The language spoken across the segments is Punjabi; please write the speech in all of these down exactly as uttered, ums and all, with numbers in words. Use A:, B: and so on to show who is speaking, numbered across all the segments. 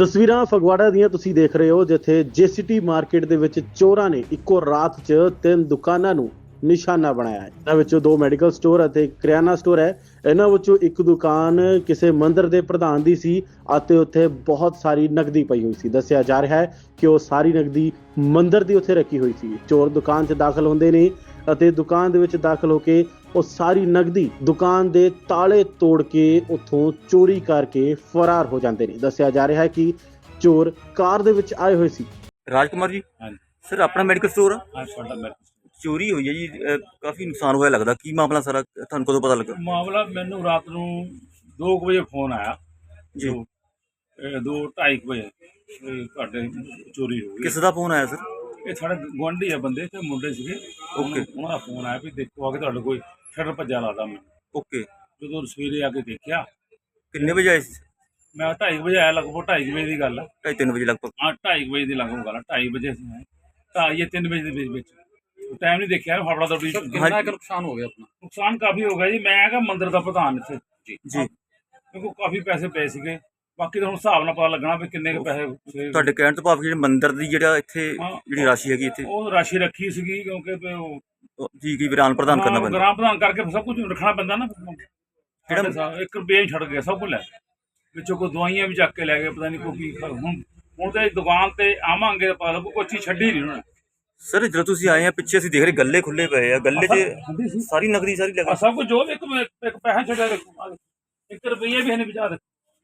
A: ਤਸਵੀਰਾਂ ਫਗਵਾੜਾ ਦੀਆਂ ਤੁਸੀਂ ਦੇਖ ਰਹੇ ਹੋ, ਜਿੱਥੇ ਜੇਸੀਟੀ ਮਾਰਕੀਟ ਦੇ ਵਿੱਚ ਚੋਰਾਂ ਨੇ ਇੱਕੋ ਰਾਤ 'ਚ ਤਿੰਨ ਦੁਕਾਨਾਂ ਨੂੰ ਨਿਸ਼ਾਨਾ ਬਣਾਇਆ ਹੈ। ਇਹਨਾਂ ਵਿੱਚੋਂ ਦੋ ਮੈਡੀਕਲ ਸਟੋਰ ਅਤੇ ਕਰਿਆਨਾ ਸਟੋਰ ਹੈ। ਇਹਨਾਂ ਵਿੱਚੋਂ ਇੱਕ ਦੁਕਾਨ ਕਿਸੇ ਮੰਦਿਰ ਦੇ ਪ੍ਰਧਾਨ ਦੀ ਸੀ ਅਤੇ ਉੱਥੇ ਬਹੁਤ ਸਾਰੀ ਨਕਦੀ ਪਈ ਹੋਈ ਸੀ। ਦੱਸਿਆ ਜਾ ਰਿਹਾ ਹੈ ਕਿ ਉਹ ਸਾਰੀ ਨਕਦੀ ਮੰਦਿਰ ਦੀ ਉੱਥੇ ਰੱਖੀ ਹੋਈ ਸੀ। ਚੋਰ ਦੁਕਾਨ 'ਚ ਦਾਖਲ ਹੁੰਦੇ ਨੇ ਅਤੇ ਦੁਕਾਨ ਦੇ ਵਿੱਚ ਦਾਖਲ ਹੋ ਕੇ ਉਹ ਸਾਰੀ ਨਕਦੀ ਦੁਕਾਨ ਦੇ ਤਾਲੇ ਤੋੜ ਕੇ ਉੱਥੋਂ ਚੋਰੀ ਕਰਕੇ ਫਰਾਰ ਹੋ ਜਾਂਦੇ ਨੇ। ਦੱਸਿਆ ਜਾ ਰਿਹਾ ਹੈ ਕਿ ਚੋਰ ਕਾਰ ਦੇ ਵਿੱਚ ਆਏ ਹੋਏ ਸੀ।
B: ਰਾਜਕੁਮਾਰ ਜੀ,
C: ਹਾਂਜੀ
B: ਸਰ ਆਪਣਾ ਮੈਡੀਕਲ ਸਟੋਰ ਆ,
C: ਹਾਂ ਸਾਡਾ ਮੈਡੀਕਲ
B: ਚੋਰੀ ਹੋਈ ਹੈ ਜੀ। ਅਹ ਕਾਫੀ ਨੁਕਸਾਨ ਹੋਇਆ ਲੱਗਦਾ। ਕੀ ਮਾਮਲਾ ਸਾਰਾ, ਤੁਹਾਨੂੰ ਕਦੋਂ ਪਤਾ ਲੱਗਾ?
C: ਮਾਮਲਾ ਮੈਨੂੰ ਰਾਤ ਨੂੰ ਦੋ ਕੁ ਵਜੇ ਫੋਨ ਆਇਆ
B: ਜੀ।
C: ਜੋ, ਇਹ ਦੋ ਢਾਈ ਕੁ ਵਜੇ ਵੀ ਤੁਹਾਡੇ ਚੋਰੀ ਹੋ ਗਈ।
B: ਕਿਸ ਦਾ ਫੋਨ ਆਇਆ ਸਰ?
C: ਇਹ ਸਾਡੇ ਗੁਆਂਢੀ ਆ ਬੰਦੇ ਤੇ ਮੁੰਡੇ ਸੀਗੇ।
B: ਓਕੇ।
C: ਉਹਨਾਂ ਦਾ ਫੋਨ ਆਇਆ ਵੀ ਦੇਖੋ ਆ ਕੇ ਤੁਹਾਡੇ ਕੋਈ ਸ਼ਟਰ ਭੱਜਾ ਲੱਗਦਾ। ਮੈਂ
B: ਓਕੇ।
C: ਜਦੋਂ ਸਵੇਰੇ ਆ ਕੇ ਦੇਖਿਆ,
B: ਕਿੰਨੇ ਵਜੇ ਆਏ ਸੀ?
C: ਮੈਂ ਢਾਈ ਕੁ ਵਜੇ ਆਇਆ, ਲਗਭਗ ਢਾਈ ਕੁ ਵਜੇ ਦੀ ਗੱਲ ਆ।
B: ਢਾਈ ਤਿੰਨ ਵਜੇ ਲਗਭਗ।
C: ਹਾਂ ਢਾਈ ਕੁ ਵਜੇ ਦੀ ਲਗਭਗ ਗੱਲ ਆ। ਢਾਈ ਵਜੇ ਅਸੀਂ ਆਏ, ਢਾਈ ਜਾਂ ਤਿੰਨ ਵਜੇ ਦੇ ਵਿੱਚ ਵਿੱਚ ਟਾਈਮ ਨਹੀਂ ਦੇਖਿਆ। ਫਾਫੜਾ ਦੌੜੀ
B: ਕਿੰਨਾ
D: ਕੁ ਨੁਕਸਾਨ ਹੋ ਗਿਆ ਆਪਣਾ?
C: ਨੁਕਸਾਨ ਕਾਫੀ ਹੋ ਗਿਆ ਜੀ। ਮੈਂ ਹੈਗਾ ਮੰਦਿਰ ਦਾ ਪ੍ਰਧਾਨ ਇੱਥੇ
B: ਜੀ।
C: ਮੇਰੇ ਕੋਲ ਕਾਫੀ ਪੈਸੇ ਪਏ ਸੀਗੇ। ਬਾਕੀ ਤਾਂ ਹੁਣ ਹਿਸਾਬ ਨਾਲ ਪਤਾ ਲੱਗਣਾ ਵੀ ਕਿੰਨੇ ਕੁ ਪੈਸੇ ਸੀਗੇ।
B: ਤੁਹਾਡੇ ਕਹਿਣ ਤੋਂ ਭਾਵ ਜਿਹੜੇ ਮੰਦਿਰ ਦੀ ਜਿਹੜਾ ਇੱਥੇ
C: ਹਾਂ।
B: ਜਿਹੜੀ ਰਾਸ਼ੀ ਹੈਗੀ ਇੱਥੇ,
C: ਉਹ ਰਾਸ਼ੀ ਰੱਖੀ ਸੀਗੀ ਕਿਉਂਕਿ ਵੀ ਉਹ
B: ਉਹ ਜੀ ਕੀ ਵਿਰਾਨ ਪ੍ਰਦਾਨ ਕਰਨਾ ਪੈਂਦਾ।
C: ਗ੍ਰਾਮ ਪ੍ਰਧਾਨ ਕਰਕੇ ਸਭ ਕੁਝ ਰੱਖਣਾ ਪੈਂਦਾ ਨਾ।
B: ਕਿਹੜਾ
C: ਕਿਹੜਾ ਇੱਕ ਰੁਪਈਆ ਹੀ ਛੱਡ ਗਿਆ, ਸਭ ਕੁਝ ਲੈ ਗਏ। ਵਿੱਚੋਂ ਕੋਈ ਦਵਾਈਆਂ ਵੀ ਚੱਕ ਕੇ ਲੈ ਗਏ, ਪਤਾ ਨਹੀਂ ਕੋਈ ਕੀ। ਹੁਣ ਹੁਣ ਤੇ ਦੁਕਾਨ ਤੇ ਆਵਾਂਗੇ ਤਾਂ ਪਤਾ ਲੱਗੂ ਕੋਈ ਚੀਜ਼ ਛੱਡੀ ਨਹੀਂ ਉਹਨਾਂ ਨੇ।
B: ਸਰ ਜਦੋਂ ਤੁਸੀਂ ਆਏ ਆ ਪਿੱਛੇ ਅਸੀਂ ਦੇਖ ਰਹੇ ਗੱਲੇ ਖੁੱਲੇ ਪਏ ਆ, ਗੱਲੇ 'ਚ
C: ਹੁੰਦੀ ਸੀ
B: ਸਾਰੀ ਨਕਦੀ ਸਾਰੀ
C: ਆਹ
B: ਲੱਗੀ।
C: ਸਭ ਕੁਝ ਜੋ ਇੱਕ ਇੱਕ ਪੈਸਾ ਛੱਡਿਆ ਦੇਖੋ, ਆਹ ਦੇਖੋ। ਇੱਕ ਰੁਪਈਆ ਵੀ ਇਹਨੇ ਵਿਚਾਰ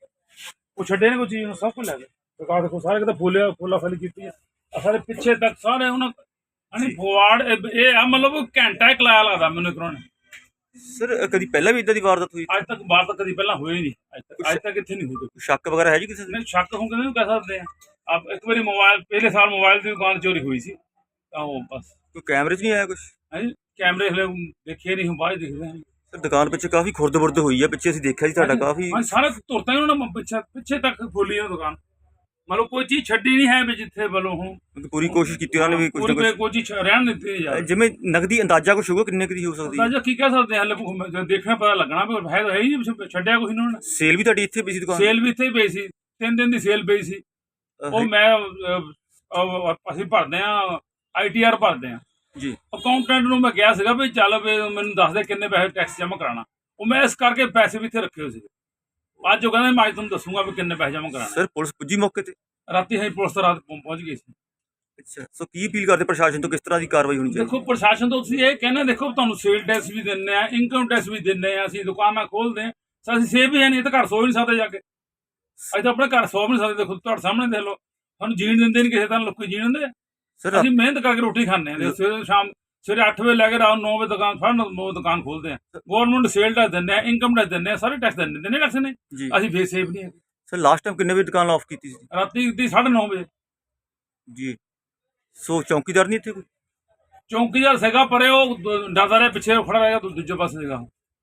C: ਉਹ ਛੱਡੇ ਨੇ ਕੋਈ ਚੀਜ਼ ਨੂੰ, ਸਭ ਕੁਝ ਲੈ ਗਏ। ਦੁਕਾਨ ਦੇਖੋ ਸਾਰੇ ਕਿਤੇ ਫੁੱਲਿਆ ਫੁੱਲਾ ਫਲੀ ਕੀਤੀ ਆ। ਆਹ ਸਾਰੇ ਪਿੱਛੇ ਤੱਕ ਸਾਰੇ ਉਹਨਾਂ ਅਣੀ ਫਵਾੜ ਇਹ ਆ, ਮਤਲਬ ਘੰਟਾ ਇੱਕ ਲਾਇਆ ਲੱਗਦਾ ਮੈਨੂੰ ਇੱਕ ਨੇ।
B: ਸਰ ਕਦੀ ਪਹਿਲਾਂ ਵੀ ਇਦਾਂ ਦੀ ਵਾਰਦਾਤ ਹੋਈ?
C: ਅੱਜ ਤੱਕ ਬਾਤ ਤਾਂ ਕਦੀ ਪਹਿਲਾਂ ਹੋਈ ਨਹੀਂ। ਅੱਜ ਤੱਕ ਅੱਜ ਤੱਕ ਇੱਥੇ ਨਹੀਂ ਹੋਈ।
B: ਕੋਈ ਸ਼ੱਕ ਵਗੈਰਾ ਹੈ ਜੀ ਕਿਸੇ ਦੇ?
C: ਮੈਨੂੰ ਸ਼ੱਕ ਹੋ ਕਿਵੇਂ ਕਹਿ ਸਕਦੇ ਆ। ਆਪ ਇੱਕ ਵਾਰੀ ਮੋਬਾਈਲ ਪਹਿਲੇ ਸਾਲ ਮੋਬਾਈਲ ਦੀ ਦੁਕਾਨ ਚੋਰੀ ਹੋਈ ਸੀ ਤਾਂ ਉਹ ਬਸ।
B: ਕੋਈ ਕੈਮਰੇ 'ਚ ਨਹੀਂ ਆਇਆ ਕੁਛ?
C: ਹਾਂਜੀ ਕੈਮਰੇ ਹਲੇ ਦੇਖੇ ਨਹੀਂ, ਹੁਣ ਬਾਅਦ ਦਿਖਦੇ ਹਨ।
B: ਸਰ ਦੁਕਾਨ ਪਿੱਛੇ ਕਾਫੀ ਖੁਰਦ-ਬੁਰਦ ਹੋਈ ਆ, ਪਿੱਛੇ ਅਸੀਂ ਦੇਖਿਆ ਜੀ ਤੁਹਾਡਾ ਕਾਫੀ।
C: ਹਾਂ ਸਾਰੇ ਤੁਰਤਾ ਹੀ ਉਹਨਾਂ ਨੇ ਪਿੱਛੇ ਪਿੱਛੇ ਤੱਕ ਖੋਲੀ ਉਹ ਦੁਕਾਨ। ਮਤਲਬ ਕੋਈ ਚੀਜ਼ ਛੱਡੀ ਨਹੀਂ ਹੈ ਵੀ ਜਿੱਥੇ ਵੱਲੋਂ ਹੁਣ
B: ਪੂਰੀ ਕੋਸ਼ਿਸ਼ ਕੀਤੀ ਉਹਨਾਂ ਨੇ ਵੀ ਕੁਝ ਨਾ
C: ਪੂਰੀ
B: ਕੁਝ।
C: ਕੋਈ ਚੀਜ਼ ਰਹਿਣ ਨਹੀਂ ਦਿੱਤੀ ਯਾਰ।
B: ਜਿਵੇਂ ਨਗਦੀ ਅੰਦਾਜ਼ਾ ਕੁਛ ਹੋਊਗਾ ਕਿੰਨੇ ਕੁ ਦੀ ਹੋ ਸਕਦੀ ਹੈ?
C: ਤਾਂ ਕੀ ਕਹਿ ਸਕਦੇ ਹਾਂ, ਹਲੇ ਦੇਖਣਾ ਪਤਾ ਲੱਗਣਾ ਵੀ ਹੈ ਤਾਂ ਹੈ ਹੀ ਨਹੀਂ, ਛੱਡਿਆ ਕੁਛ ਇਹਨਾਂ ਨੇ।
B: ਸੇਲ ਵੀ ਤੁਹਾਡੀ ਇੱਥੇ ਪਈ ਸੀ ਦੁਕਾਨ?
C: ਸੇਲ ਵੀ ਇੱਥੇ ਹੀ ਪਈ ਸੀ, ਤਿੰਨ ਦਿਨ ਦੀ ਸੇਲ ਪਈ ਸੀ। ਉਹ ਮੈਂ ਅਹ, ਅਹ, ਅਸੀਂ ਭਰਦੇ ਆ ਆਈ ਟੀ ਆਰ ਭਰਦੇ ਆ
B: ਜੀ।
C: ਅਕਾਊਂਟੈਂਟ ਨੂੰ ਮੈਂ ਕਿਹਾ ਸੀਗਾ ਵੀ ਚੱਲ ਵੀ ਮੈਨੂੰ ਦੱਸ ਦੇ ਕਿੰਨੇ ਪੈਸੇ ਟੈਕਸ ਜਮ੍ਹਾਂ ਕਰਾਉਣਾ। ਉਹ ਮੈਂ ਇਸ ਕਰਕੇ ਪੈਸੇ ਵੀ ਇੱਥੇ ਰੱਖੇ ਹੋਏ ਸੀਗੇ। ਅੱਜ ਉਹ ਕਹਿੰਦੇ ਮੈਂ ਅੱਜ ਤੁਹਾਨੂੰ ਦੱਸੂਗਾ ਵੀ ਕਿੰਨੇ ਪੈਸੇ ਜਮ੍ਹਾਂ ਕਰਾਉਣਾ।
B: ਸਰ ਪੁਲਿਸ ਪੁੱਜੀ ਮੌਕੇ ਤੇ?
C: ਰਾਤੀ ਅਸੀਂ ਪੁਲਿਸ ਤਾਂ ਰਾਤ ਪਹੁੰ- ਪਹੁੰਚ ਗਈ ਸੀ।
B: ਅੱਛਾ, ਸੋ ਕੀ ਅਪੀਲ ਕਰਦੇ ਪ੍ਰਸ਼ਾਸਨ ਤੋਂ, ਕਿਸ ਤਰ੍ਹਾਂ ਦੀ ਕਾਰਵਾਈ ਹੋਣੀ ਚਾਹੀਦੀ?
C: ਦੇਖੋ ਪ੍ਰਸ਼ਾਸਨ ਤੋਂ ਤੁਸੀਂ ਇਹ ਕਹਿੰਦੇ, ਦੇਖੋ ਤੁਹਾਨੂੰ ਸੇਲ ਟੈਕਸ ਵੀ ਦਿੰਦੇ ਆ, ਇਨਕਮ ਟੈਕਸ ਵੀ ਦਿੰਦੇ ਆ, ਅਸੀਂ ਦੁਕਾਨਾਂ ਖੋਲਦੇ ਆ, ਅਸੀਂ ਸੇਵ ਵੀ ਹੈ ਨਹੀਂ, ਇਹ ਤਾਂ ਘਰ ਸੋ ਹੀ ਨਹੀਂ ਸਕਦੇ ਜਾ ਕੇ। ਅਸੀਂ ਤਾਂ ਆਪਣੇ ਘਰ ਸੋ ਵੀ ਨਹੀਂ ਸਕਦੇ। ਦੇਖੋ ਤੁਹਾਡੇ ਸਾਹਮਣੇ ਦੇਖ ਲਓ, ਸਾਨੂੰ ਜੀਣ ਦਿੰਦੇ ਨਹੀਂ ਕਿਸੇ ਤਰ੍ਹਾਂ। ਲੋਕੀ ਜੀਣ ਦਿੰਦੇ ਆ।
B: ਸਰ
C: ਅਸੀਂ ਮਿਹਨਤ ਕਰਕੇ ਰੋਟੀ ਖਾਂਦੇ ਆ। ਸਵੇਰੇ ਸ਼ਾਮ ਸਵੇਰੇ ਅੱਠ ਵਜੇ ਲੈ ਕੇ ਰਾਤ ਨੌ ਵਜੇ ਦੁਕਾਨ ਫੜ ਨੌ ਦੁਕਾਨ ਖੋਲਦੇ ਆ। ਗਵਰਨਮੈਂਟ ਸੇਲ ਟੈਕਸ ਦਿੰਦੇ ਆ, ਇਨਕਮ ਟੈਕਸ ਦਿੰਦੇ ਆ, ਸਾਰੇ ਟੈਕਸ ਦਿੰਦੇ ਦਿੰਦੇ ਟੈਕਸ ਨੇ।
B: ਜੀ।
C: ਅਸੀਂ ਫੇਰ ਸੇਵ ਨਹੀਂ ਹੈ।
B: ਸਰ ਲਾਸਟ ਟਾਈਮ ਕਿੰਨੇ ਵਜੇ ਦੁਕਾਨ ਆਫ ਕੀਤੀ ਸੀ?
C: ਰਾਤੀ ਦੀ ਸਾਢੇ ਨੌ ਵਜੇ।
B: ਜੀ। ਸੋ ਚੌਕੀਦਾਰ ਨਹੀਂ ਇੱਥੇ ਕੋਈ?
C: ਚੌਂਕੀਦਾਰ ਸੀਗਾ ਪਰੇ, ਉਹ ਡਰਦਾ ਰਿਹਾ, ਪਿੱਛੇ ਖੜਾ ਰਹਿ ਗਿਆ, ਦੂਜੇ ਪਾਸੇ ਸੀਗਾ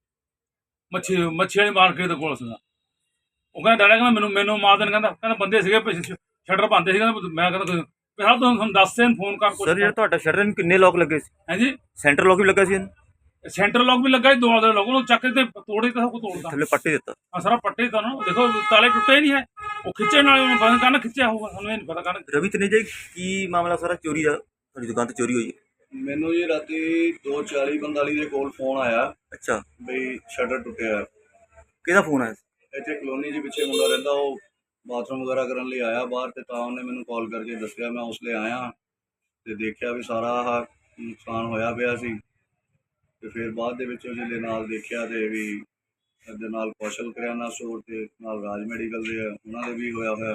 C: ਮੱਛੀ ਮੱਛੀ ਵਾਲੀ ਮਾਰਕੀਟ ਦੇ ਕੋਲ ਸੀਗਾ। ਉਹ ਕਹਿੰਦਾ ਡਰਿਆ, ਕਹਿੰਦਾ ਮੈਨੂੰ ਮੈਨੂੰ ਮਾਰ ਦੇਣ। ਕਹਿੰਦਾ ਕਹਿੰਦਾ ਬੰਦੇ ਸੀਗੇ ਸ਼ਟਰ ਪਾਉਂਦੇ ਸੀ। ਕਹਿੰਦਾ ਮੈਂ ਕਹਿੰਦਾ ਹਾਂ ਤੁਹਾਨੂੰ ਦੱਸ ਦੇਣ ਫੋਨ ਕਰ।
B: ਸਰ ਜਿਹੜਾ ਤੁਹਾਡਾ ਸ਼ਟਰ ਨੂੰ ਕਿੰਨੇ ਲੋਕ ਲੱਗੇ ਸੀ?
C: ਹਾਂਜੀ
B: ਸੈਂਟਰ ਲੋਕ ਵੀ ਲੱਗਾ ਸੀ ਇਹਨੂੰ?
C: ਸੈਂਟਰ ਲੋਕ ਵੀ ਲੱਗਾ ਸੀ, ਦੋ ਦੇ ਲੋਕ ਉਹਨੂੰ ਚੱਕ ਕੇ ਤੇ ਤੋੜੇ ਤਾਂ ਸਭ ਕੁਝ ਤੋੜਦਾ।
B: ਥੱਲੇ ਪੱਟੇ ਦਿੱਤਾ?
C: ਹਾਂ ਸਾਰਾ ਪੱਟੇ ਤਾਂ ਨਾ ਦੇਖੋ, ਤਾਲੇ ਟੁੱਟੇ ਨਹੀਂ ਹੈ। ਉਹ ਖਿੱਚੇ ਨਾਲ ਉਹਨੂੰ ਪਤਾ ਕੰਨ ਖਿੱਚਿਆ ਹੋਊਗਾ, ਸਾਨੂੰ ਇਹ ਨਹੀਂ ਪਤਾ ਕੰਨ।
B: ਰਵੀ ਤਨੇਜਾ ਜੀ, ਕੀ ਮਾਮਲਾ ਸਾਰਾ ਚੋਰੀ ਦਾ? ਤੁਹਾਡੀ ਦੁਕਾਨ ਤੇ ਚੋਰੀ ਹੋਈ ਹੈ?
E: ਮੈਨੂੰ ਜੀ ਰਾਤੀ ਦੋ ਚਾਲੀ ਪੰਤਾਲੀ ਦੇ ਕੋਲ ਫੋਨ ਆਇਆ
B: ਅੱਛਾ।
E: ਬਈ ਸ਼ਟਰ ਟੁੱਟਿਆ।
B: ਕਿਹਦਾ ਫੋਨ ਆਇਆ ਸੀ?
E: ਇੱਥੇ ਕਲੋਨੀ ਦੇ ਪਿੱਛੇ ਮੁੰਡਾ ਰਹਿੰਦਾ, ਉਹ ਬਾਥਰੂਮ ਵਗੈਰਾ ਕਰਨ ਲਈ ਆਇਆ ਬਾਹਰ, ਤੇ ਤਾਂ ਉਹਨੇ ਮੈਨੂੰ ਕਾਲ ਕਰਕੇ ਦੱਸਿਆ। ਮੈਂ ਉਸ ਲਈ ਆਇਆ ਤੇ ਦੇਖਿਆ ਵੀ ਸਾਰਾ ਆਹ ਨੁਕਸਾਨ ਹੋਇਆ ਪਿਆ ਸੀ। ਤੇ ਫਿਰ ਬਾਅਦ ਦੇ ਵਿੱਚ ਉਹਦੇ ਨਾਲ ਦੇਖਿਆ ਤੇ ਵੀ ਇਹਦੇ ਨਾਲ ਕੌਸ਼ਲ ਕਰਿਆਨਾ ਸਟੋਰ ਤੇ ਨਾਲ ਰਾਜ ਮੈਡੀਕਲ ਦੇ ਆ, ਉਹਨਾਂ ਦੇ ਵੀ ਹੋਇਆ ਹੋਇਆ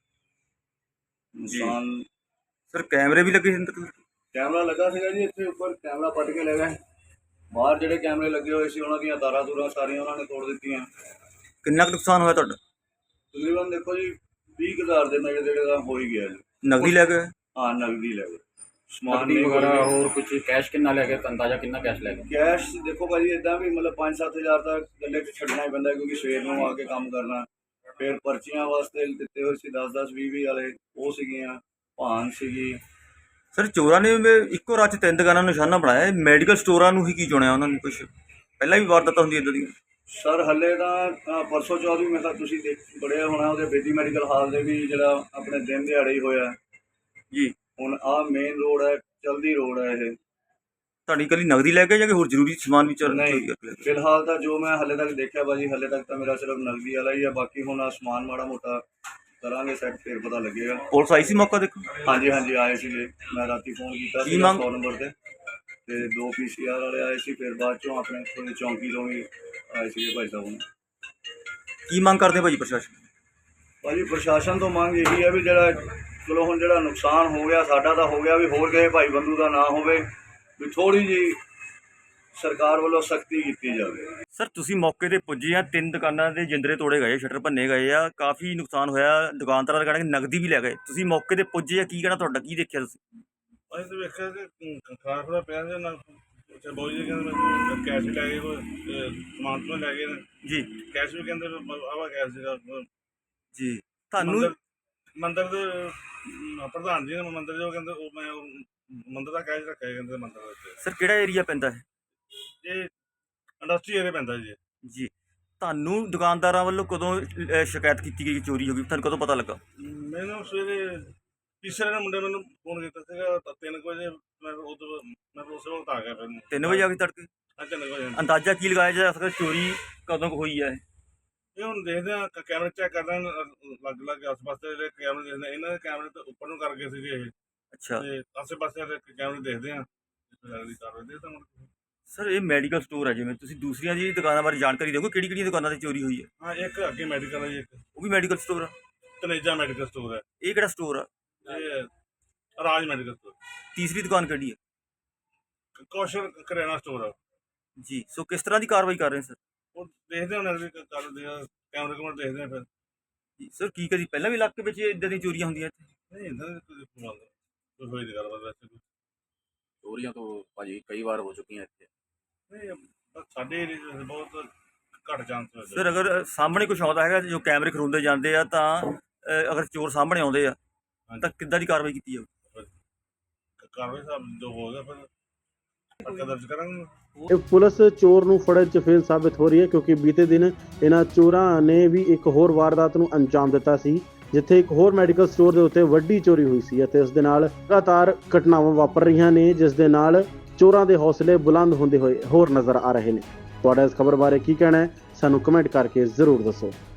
E: ਨੁਕਸਾਨ।
B: ਸਰ ਕੈਮਰੇ ਵੀ ਲੱਗੇ ਸੀ ਅੰਦਰ?
E: ਕੈਮਰਾ ਲੱਗਾ ਸੀਗਾ ਜੀ ਇੱਥੇ ਉੱਪਰ, ਕੈਮਰਾ ਪੱਟ ਕੇ ਲੈ ਗਏ। ਬਾਹਰ ਜਿਹੜੇ ਕੈਮਰੇ ਲੱਗੇ ਹੋਏ ਸੀ ਉਹਨਾਂ ਦੀਆਂ ਤਾਰਾਂ ਤੂਰਾਂ ਸਾਰੀਆਂ ਉਹਨਾਂ ਨੇ ਤੋੜ ਦਿੱਤੀਆਂ।
B: ਕਿੰਨਾ ਕੁ ਨੁਕਸਾਨ ਹੋਇਆ ਤੁਹਾਡਾ?
E: ਤਕਰੀਬਨ ਦੇਖੋ ਜੀ ਵੀਹ ਕੁ ਹਜ਼ਾਰ ਦੇ ਨੇੜੇ ਤੇੜੇ ਦਾ ਹੋ ਹੀ ਗਿਆ ਜੀ।
B: ਨਗਦੀ ਲੈ ਗਏ?
E: ਹਾਂ ਨਗਦੀ ਲੈ ਗਏ, ਸਮਾਨ
D: ਨਕਦੀ
E: ਨਹੀਂ
D: ਵਗੈਰਾ
E: ਵਗੈਰਾ
D: ਹੋਰ ਕੁਝ ਕੈਸ਼ ਕਿੰਨਾ ਲੈ ਗਏ? ਅੰਦਾਜ਼ਾ ਕਿੰਨਾ ਕੈਸ਼ ਲੈ ਗਏ?
E: ਕੈਸ਼ ਦੇਖੋ ਭਾਜੀ ਇੱਦਾਂ ਵੀ ਮਤਲਬ ਪੰਜ ਸੱਤ ਹਜ਼ਾਰ ਤਾਂ ਗੱਲੇ 'ਚ ਛੱਡਣਾ ਹੀ ਪੈਂਦਾ, ਕਿਉਂਕਿ ਸਵੇਰ ਨੂੰ ਆ ਕੇ ਕੰਮ ਕਰਨਾ। ਫਿਰ ਪਰਚੀਆਂ ਵਾਸਤੇ ਦਿੱਤੇ ਹੋਏ ਸੀ ਦਸ ਦਸ ਵੀਹ ਵੀਹ ਵਾਲੇ, ਉਹ ਸੀਗੀਆਂ, ਭਾਨ ਸੀਗੀ।
B: ਸਰ ਚੋਰਾਂ ਨੇ ਇੱਕੋ ਰਾਤ 'ਚ ਤਿੰਨ ਦੁਕਾਨਾਂ ਨੂੰ ਨਿਸ਼ਾਨਾ ਬਣਾਇਆ। ਮੈਡੀਕਲ ਸਟੋਰਾਂ ਨੂੰ ਹੀ ਕੀ ਚੁਣਿਆ ਉਹਨਾਂ ਨੇ? ਕੁਛ ਪਹਿਲਾਂ ਵੀ ਵਾਰਦਾਤਾਂ ਹੁੰਦੀਆਂ ਇੱਦਾਂ ਦੀਆਂ?
E: ਸਰ ਹੱਲੇ ਤਾਂ ਅ, ਪਰਸੋਂ ਚੌਥ ਵੀ ਮੈਂ ਕਿਹਾ ਤੁਸੀਂ ਦੇਖ ਬੜਿਆ ਹੋਣਾ ਉਹਦੇ ਬੇਦੀ ਮੈਡੀਕਲ ਹਾਲ ਦੇ ਵੀ ਜਿਹੜਾ ਆਪਣੇ ਦਿਨ ਦਿਹਾੜੇ ਹੀ ਹੋਇਆ
B: ਜੀ
E: ਹੁਣ ਆਹ ਮੇਨ ਰੋਡ ਹੈ ਚਲਦੀ ਰੋਡ ਹੈ ਇਹ
B: ਤੁਹਾਡੀ ਇਕੱਲੀ ਨਗਦੀ ਲੈ ਕੇ ਜਾਂ ਕਿ ਹੋਰ ਜ਼ਰੂਰੀ ਸਮਾਨ ਵੀ ਚੋਰੀ
E: ਨਹੀਂ
B: ਕਰਕੇ ਲੈ ਗਏ?
E: ਫਿਲਹਾਲ ਤਾਂ ਜੋ ਮੈਂ ਹੱਲੇ ਤੱਕ ਦੇਖਿਆ ਭਾਜੀ ਹੱਲੇ ਤੱਕ ਤਾਂ ਮੇਰਾ ਸਿਰਫ ਨਗਦੀ ਵਾਲਾ ਹੀ ਆ ਬਾਕੀ ਹੁਣ ਆਸਮਾਨ ਮਾੜਾ ਮੋਟਾ ਕਰਾਂਗੇ ਸੈੱਟ ਫਿਰ ਪਤਾ ਲੱਗੇਗਾ।
B: ਪੁਲਿਸ ਆਈ ਸੀ ਮੌਕਾ ਦੇਖੋ?
E: ਹਾਂਜੀ ਹਾਂਜੀ ਆਏ ਸੀਗੇ ਮੈਂ ਰਾਤੀ ਫੋਨ ਕੀਤਾ
B: ਕੀ
E: ਸੀ
B: ਮੰਗ-
E: ਸੌ ਨੰਬਰ ਤੇ ਤੇ ਦੋ ਪੀ ਸੀ ਆਰ ਵਾਲੇ ਆਏ ਸੀ ਫਿਰ ਬਾਅਦ ਚੋਂ ਆਪਣੇ ਥੋੜੀ ਚੌਂਕੀ ਤੋਂ ਵੀ ਆਏ ਸੀਗੇ ਭਾਈ ਸਾਹਿਬ ਹੁਣ।
B: ਕੀ ਮੰਗ ਕਰਦੇ ਭਾਜੀ ਪ੍ਰਸ਼ਾਸਨ?
E: ਭਾਜੀ ਪ੍ਰਸ਼ਾਸਨ ਤੋਂ ਮੰਗ ਇਹੀ ਹੈ ਵੀ ਜਿਹੜਾ ਚਲੋ ਹੁਣ ਜਿਹੜਾ ਨੁਕਸਾਨ ਹੋ ਗਿਆ ਸਾਡਾ ਤਾਂ ਹੋ ਗਿਆ ਵੀ ਹੋਰ ਕਿਸੇ ਭਾਈ ਬੰਦੂ ਦਾ ਨਾ ਹੋਵੇ ਵੀ ਥੋੜੀ ਜੀ ਸਰਕਾਰ ਵੱਲੋਂ ਸਖਤੀ ਕੀਤੀ ਜਾਵੇ।
B: ਸਰ ਤੁਸੀਂ ਮੌਕੇ ਤੇ ਪੁੱਜੇ ਆ, ਤਿੰਨ ਦੁਕਾਨਾਂ ਦੇ ਜਿੰਦਰੇ ਤੋੜੇ ਗਏ, ਸ਼ਟਰ ਭੰਨੇ ਗਏ ਆ, ਕਾਫੀ ਨੁਕਸਾਨ ਹੋਇਆ, ਦੁਕਾਨਦਾਰਾਂ ਦਾ ਕਹਿਣਾ ਕਿ ਨਗਦੀ ਵੀ ਲੈ ਗਏ, ਤੁਸੀਂ ਮੌਕੇ ਤੇ ਪੁੱਜੇ ਆ, ਕੀ ਕਹਿਣਾ ਤੁਹਾਡਾ, ਕੀ ਦੇਖਿਆ ਤੁਸੀਂ?
F: ਅਸੀਂ ਤਾਂ ਵੇਖਿਆ ਕਿ ਖਾਣਾ ਖੁਣਾ ਪਿਆ ਸੀ ਨਾ ਅੱਛਾ ਬਾਊ ਜੀ ਕਹਿੰਦੇ ਮੈਨੂੰ ਕੈਸ਼ ਵੀ ਲੈ ਗਏ ਕੋਈ ਅਹ ਸਮਾਨ ਤੋਂ ਲੈ ਗਏ ਨੇ
B: ਜੀ
F: ਕੈਸ਼ ਵੀ ਕਹਿੰਦੇ ਆਵਾ ਕੈਸ਼ ਸੀਗਾ
B: ਜੀ ਤੁਹਾਨੂੰ
F: ਮੰਦਰ ਮੰਦਰ ਦੇ ਅਮ, ਪ੍ਰਧਾਨ ਜੀ ਨੇ ਮੰਦਰ ਜੋ ਕਹਿੰਦੇ ਉਹ ਮੈਂ ਉਹ ਮੰਦਰ ਦਾ ਕੈਸ਼ ਰੱਖਿਆ ਕਹਿੰਦੇ ਮੰਦਰ ਦੇ ਵਿੱਚ
B: ਸਰ ਕਿਹੜਾ ਏਰੀਆ ਪੈਂਦਾ ਹੈ?
F: ਇਹ ਇੰਡਸਟਰੀ ਏਰੀਆ ਪੈਂਦਾ ਜੀ
B: ਜੀ ਤੁਹਾਨੂੰ ਦੁਕਾਨਦਾਰਾਂ ਵੱਲੋਂ ਕਦੋਂ ਅਹ, ਸ਼ਿਕਾਇਤ ਕੀਤੀ ਗਈ ਕਿ ਚੋਰੀ ਹੋ ਗਈ, ਤੁਹਾਨੂੰ ਕਦੋਂ ਪਤਾ ਲੱਗਾ?
F: ਮੈਨੂੰ ਸਵੇਰੇ ਤੀਸਰੇ ਨੇ ਮੁੰਡੇ ਮੈਨੂੰ ਫੋਨ ਕੀਤਾ ਸੀਗਾ ਤਾਂ ਤਿੰਨ ਕੁ ਵਜੇ ਮੈਂ ਉਦੋਂ ਮੈਂ ਉਸੇ ਵਕਤ ਆ ਗਿਆ ਫਿਰ
B: ਤਿੰਨ ਵਜੇ ਆ ਕੇ ਤੜਕੇ?
F: ਅੱਜ ਤਿੰਨ ਕੁ ਵਜੇ
B: ਅੰਦਾਜ਼ਾ ਕੀ ਲਗਾਇਆ ਜਾ ਸਕਦਾ ਚੋਰੀ ਕਦੋਂ ਕੁ ਹੋਈ ਹੈ?
F: ਇਹ ਹੁਣ ਦੇਖਦੇ ਆ ਕੈਮਰੇ ਚੈੱਕ ਕਰਦੇ ਆ ਲੱਗ ਲੱਗ ਆਸ ਪਾਸੇ ਜਿਹੜੇ ਕੈਮਰੇ ਦੇਖਦੇ ਆ, ਇਹਨਾਂ ਦੇ ਕੈਮਰੇ ਤਾਂ ਉੱਪਰ ਨੂੰ ਕਰ ਗਏ ਸੀਗੇ ਇਹ
B: ਅੱਛਾ
F: ਤੇ ਆਸੇ ਪਾਸੇ ਦੇ ਕੈਮਰੇ ਦੇਖਦੇ ਆ ਲੱਗਦੀ ਕਾਰਵਾਈ ਦੇ ਤਾਂ ਹੁਣ
B: ਸਰ ਇਹ ਮੈਡੀਕਲ ਸਟੋਰ ਹੈ, ਜਿਵੇਂ ਤੁਸੀਂ ਦੂਸਰੀਆਂ ਜੀ ਦੁਕਾਨਾਂ ਬਾਰੇ ਜਾਣਕਾਰੀ ਦਿਓਗੇ, ਕਿਹੜੀ ਕਿਹੜੀਆਂ ਦੁਕਾਨਾਂ ਤੇ ਚੋਰੀ ਹੋਈ ਹੈ?
F: ਹਾਂ ਇੱਕ ਅੱਗੇ ਮੈਡੀਕਲ ਹੈ ਜੀ ਇੱਕ
B: ਉਹ ਵੀ ਮੈਡੀਕਲ ਸਟੋਰ ਆ?
F: ਤਨੇਜਾ ਮੈਡੀਕਲ ਸਟੋਰ ਹੈ
B: ਇਹ ਕਿਹੜਾ ਸਟੋਰ ਆ?
F: ਇਹ ਰਾਜ ਮੈਡੀਕਲ ਸਟੋਰ
B: ਤੀਸਰੀ ਦੁਕਾਨ ਕਿਹੜੀ ਹੈ?
F: ਕੌਸ਼ਲ ਕਰਿਆਨਾ ਸਟੋਰ ਆ
B: ਜੀ ਸੋ ਕਿਸ ਤਰ੍ਹਾਂ ਦੀ ਕਾਰਵਾਈ ਕਰ ਰਹੇ ਸਰ?
F: ਉਹ ਦੇਖਦੇ ਹਾਂ ਅਗਲੀ ਕਰਦੇ ਆ ਕੈਮਰੇ ਕੈਮਰੇ ਦੇਖਦੇ ਆ ਫਿਰ
B: ਜੀ ਸਰ ਕੀ ਕਦੀ ਪਹਿਲਾਂ ਵੀ ਇਲਾਕੇ ਵਿੱਚ ਇਦਾਂ ਦੀਆਂ ਚੋਰੀਆਂ ਹੁੰਦੀਆਂ ਇੱਥੇ?
F: ਨਹੀਂ ਇੰਦਾ ਕੋਈ ਪ੍ਰਬੰਧ ਕੋਈ ਹੋਈ ਨਹੀਂ ਗੱਲਬਾਤ ਵੈਸੇ ਕੋਈ
D: चोरियां तो भाजी कई बार हो चुकी हैं इतने।
F: ਨਹੀਂ ਬਸ ਸਾਡੇ ਏਰੀਏ 'ਚ ਬਹੁਤ ਘੱਟ ਚਾਂਸ ਹੋਏ
B: ਸਰ ਅਗਰ ਸਾਹਮਣੇ ਕੁਝ ਆਉਂਦਾ ਹੈਗਾ ਜੋ ਕੈਮਰੇ ਖਰੁੰਦੇ ਜਾਂਦੇ ਆ ਤਾਂ ਅਹ, ਅਗਰ ਚੋਰ ਸਾਹਮਣੇ ਆਉਂਦੇ ਆ ਤਾਂ ਕਿੱਦਾਂ ਦੀ ਕਾਰਵਾਈ ਕੀਤੀ ਜਾਊ?
F: ਕਾਰਵਾਈ ਸਾਹਿਬ ਜੋ ਹੋ ਗਿਆ ਫਿਰ ਪਰਚਾ ਦਰਜ ਕਰਾਂਗੇ।
A: ਇਹ ਪੁਲਿਸ ਚੋਰ ਨੂੰ ਫੜਨ 'ਚ ਫੇਲ ਸਾਬਿਤ ਹੋ ਰਹੀ ਹੈ ਕਿਉਂਕਿ ਬੀਤੇ ਦਿਨ ਇਹਨਾਂ ਚੋਰਾਂ ਨੇ ਵੀ ਇੱਕ ਹੋਰ ਵਾਰਦਾਤ ਨੂੰ ਅੰਜਾਮ ਦਿੱਤਾ ਸੀ ਜਿੱਥੇ ਇੱਕ ਹੋਰ ਮੈਡੀਕਲ ਸਟੋਰ ਦੇ ਉੱਤੇ ਵੱਡੀ ਚੋਰੀ ਹੋਈ ਸੀ ਅਤੇ ਇਸ ਦੇ ਨਾਲ ਲਗਾਤਾਰ ਘਟਨਾਵਾਂ ਵਾਪਰ ਰਹੀਆਂ ਨੇ ਜਿਸ ਦੇ ਨਾਲ ਚੋਰਾਂ ਦੇ ਹੌਸਲੇ ਬੁਲੰਦ ਹੁੰਦੇ ਹੋਏ ਹੋਰ ਨਜ਼ਰ ਆ ਰਹੇ ਨੇ। ਤੁਹਾਡਾ ਇਸ ਖਬਰ ਬਾਰੇ ਕੀ ਕਹਿਣਾ ਹੈ ਸਾਨੂੰ ਕਮੈਂਟ ਕਰਕੇ ਜ਼ਰੂਰ ਦੱਸੋ।